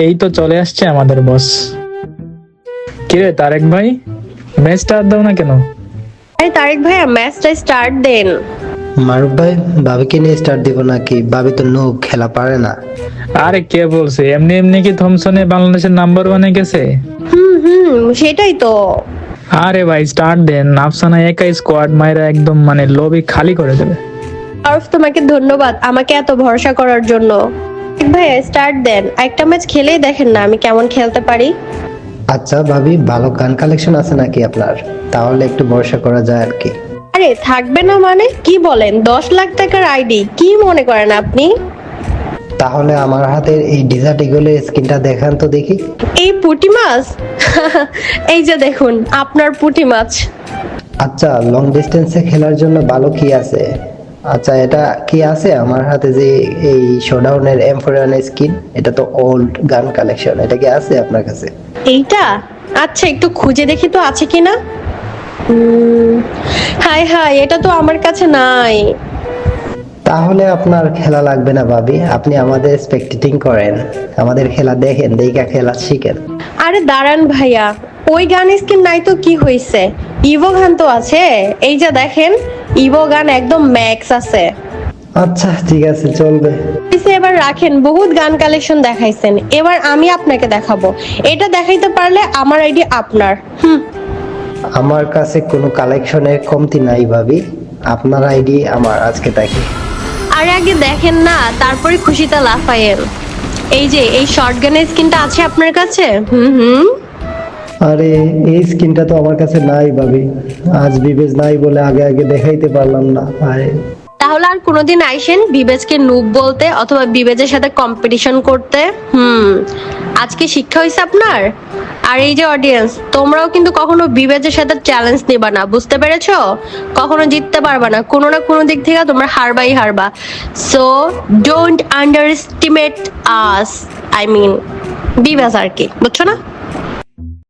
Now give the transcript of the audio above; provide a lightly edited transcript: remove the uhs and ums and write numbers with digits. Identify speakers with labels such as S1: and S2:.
S1: এই তো চলে আসছে আমাদের বস। কিরে তারেক ভাই, ম্যাচটা আর দাও না কেন?
S2: আরে তারেক ভাইয়া, ম্যাচটা স্টার্ট দেন।
S3: মারুফ ভাই, ভাবিকে নিয়ে স্টার্ট দিব নাকি? ভাবি তো নো খেলা পারে না।
S1: আরে কে বলছে? এমনি এমনি কি থমসনে বাংলাদেশের নাম্বার ওয়ানে গেছে?
S2: সেটাই তো।
S1: আরে ভাই স্টার্ট দেন, আফসানা একাই স্কোয়াড মাইরা একদম মানে লবি খালি করে দেবে।
S2: আরফ, তোমাকে ধন্যবাদ আমাকে এত ভরসা করার জন্য। তারেক ভাইয়া স্টার্ট দেন, একটা ম্যাচ খেলেই দেখেন না আমি কেমন খেলতে পারি।
S3: আচ্ছা ভাবি, ভালো গান কালেকশন আছে নাকি আপনার? তাহলে একটু ভরসা করা যায় আর কি।
S2: আরে থাকবে না মানে কি বলেন? 10 লাখ টাকার আইডি কি মনে করেন আপনি?
S3: তাহলে আমার হাতের এই ডিজার্ট ইগলের স্কিনটা দেখান তো দেখি।
S2: এই পুঁটি মাছ? এই যে দেখুন আপনার পুঁটি মাছ।
S3: আচ্ছা, লং ডিস্টেন্সে খেলার জন্য ভালো কি আছে? আচ্ছা, এটা কি আছে আমার হাতে যে এই শোডাউনের M41 স্কিন? এটা তো ওল্ড গান কালেকশন, এটা কি আছে আপনার কাছে?
S2: এইটা? আচ্ছা একটু খুঁজে দেখি তো আছে কিনা। হাই হাই, এটা তো আমার কাছে নাই।
S3: তাহলে আপনার খেলা লাগবে না ভাবি, আপনি আমাদের স্পেকটেটিং করেন, আমাদের খেলা দেখেন, দেখা খেলা শিখেন।
S2: আরে দাঁড়ান ভাইয়া, ওই গান স্কিন নাই তো কি হয়েছে? ইভো গান তো আছে, এই যে দেখেন ইভো গান একদম ম্যাক্স আছে।
S3: আচ্ছা ঠিক আছে, চলবে।
S2: এবার রাখেন, বহুত গান কালেকশন দেখাইছেন, এবার আমি আপনাকে দেখাবো। এটা দেখাইতে পারলে আমার আইডি আপনার।
S3: আমার কাছে কোনো কালেকশনের কমতি নাই ভাবি, আপনার আইডি আমার, আজকে দেখি।
S2: আরে আগে দেখেন না, তারপরে খুশিতে লাফায়েন। এই যে এই শর্টগানের স্কিনটা আছে আপনার কাছে?
S3: আরে এই স্কিনটা তো আমার কাছে নাই ভাবি, আজ বিবেজ নাই বলে আগে আগে দেখাইতে পারলাম না। আরে
S2: তাহলে আর কোনোদিন আইসেন বিবেজকে নুব বলতে অথবা বিবেজের সাথে কম্পিটিশন করতে। আজকে শিক্ষা হয়েছে আপনার। আর এই যে অডিয়েন্স, তোমরাও কিন্তু কখনো বিবেজের সাথে চ্যালেঞ্জ নিবা না, বুঝতে পেরেছো? কখনো জিততে পারবা না, কোনো না কোনো দিক থেকে তোমরা হারবাই হারবা। So don't underestimate us, I mean বিবেজ আর কি, বুঝছো না?